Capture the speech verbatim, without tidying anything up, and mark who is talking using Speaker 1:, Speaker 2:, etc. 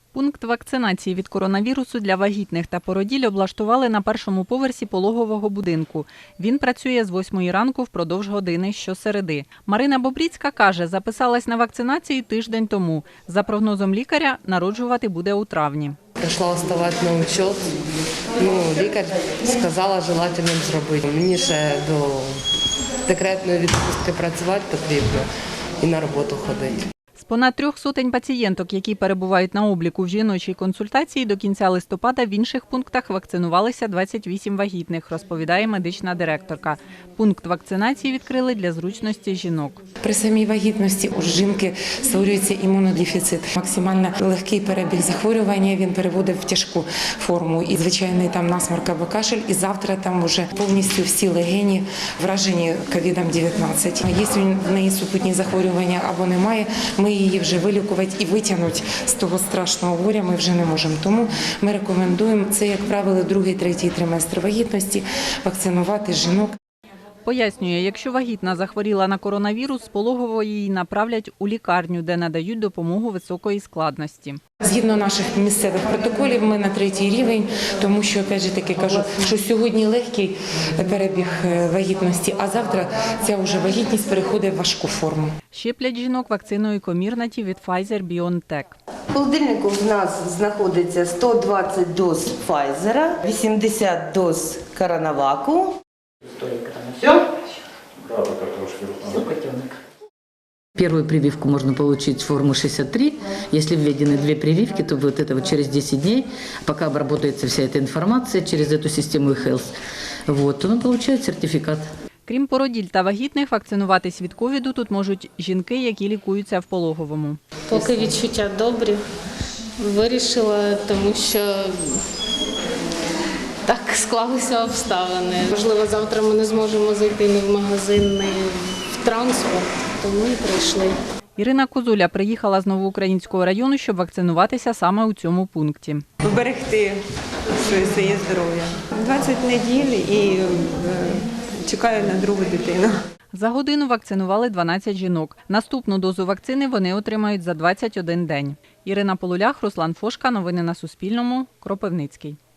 Speaker 1: Пункт вакцинації від коронавірусу для вагітних та породіль облаштували на першому поверсі пологового будинку. Він працює з восьмої ранку впродовж години щосереди. Марина Бобріцька каже, записалась на вакцинацію тиждень тому. За прогнозом лікаря, народжувати буде у травні.
Speaker 2: Прийшла ставати на учет. Ну, лікар сказала, желательно зробити. Мені ще до декретної відпустки працювати потрібно і на роботу ходити.
Speaker 1: З понад трьох сотень пацієнток, які перебувають на обліку в жіночій консультації, до кінця листопада в інших пунктах вакцинувалися двадцять вісім вагітних, розповідає медична директорка. Пункт вакцинації відкрили для зручності жінок.
Speaker 3: При самій вагітності у жінки створюється імунодефіцит. Максимально легкий перебіг захворювання, він переводить в тяжку форму. І звичайний там насморк або кашель, і завтра там вже повністю всі легені вражені ковідом дев'ятнадцять. Якщо в неї супутні захворювання або немає, ми її вже вилікувати і витягнути з того страшного горя ми вже не можемо. Тому ми рекомендуємо, це, як правило, другий, третій триместр вагітності, вакцинувати жінок.
Speaker 1: Пояснює, якщо вагітна захворіла на коронавірус, з пологової її направлять у лікарню, де надають допомогу високої складності.
Speaker 3: Згідно наших місцевих протоколів, ми на третій рівень, тому що, опять же таки кажу, що сьогодні легкий перебіг вагітності, а завтра ця вже вагітність переходить в важку форму.
Speaker 1: Щеплять жінок вакциною Комірнаті від Pfizer-BioNTech.
Speaker 4: В холодильнику в нас знаходиться сто двадцять доз Pfizer, вісімдесят доз Коронаваку.
Speaker 5: Все? Все, котенок.
Speaker 6: Первую прививку можно получить форму шестьдесят три. Если введены две прививки, то вот это вот через десять дней, пока обработается вся эта информация через эту систему e-health, вот, он получает сертификат.
Speaker 1: Крім породіль та вагітних, вакцинуватись від ковіду тут можуть жінки, які лікуються в пологовому.
Speaker 7: Поки відчуття добрі. Вирішила, тому що так склалися обставини. Можливо, завтра ми не зможемо зайти ні в магазин, ні в транспорт, тому і прийшли.
Speaker 1: Ірина Козуля приїхала з Новоукраїнського району, щоб вакцинуватися саме у цьому пункті.
Speaker 8: Поберегти своє здоров'я. двадцять неділь і чекаю на другу дитину.
Speaker 1: За годину вакцинували дванадцять жінок. Наступну дозу вакцини вони отримають за двадцять один день. Ірина Полулях, Руслан Фошка. Новини на Суспільному. Кропивницький.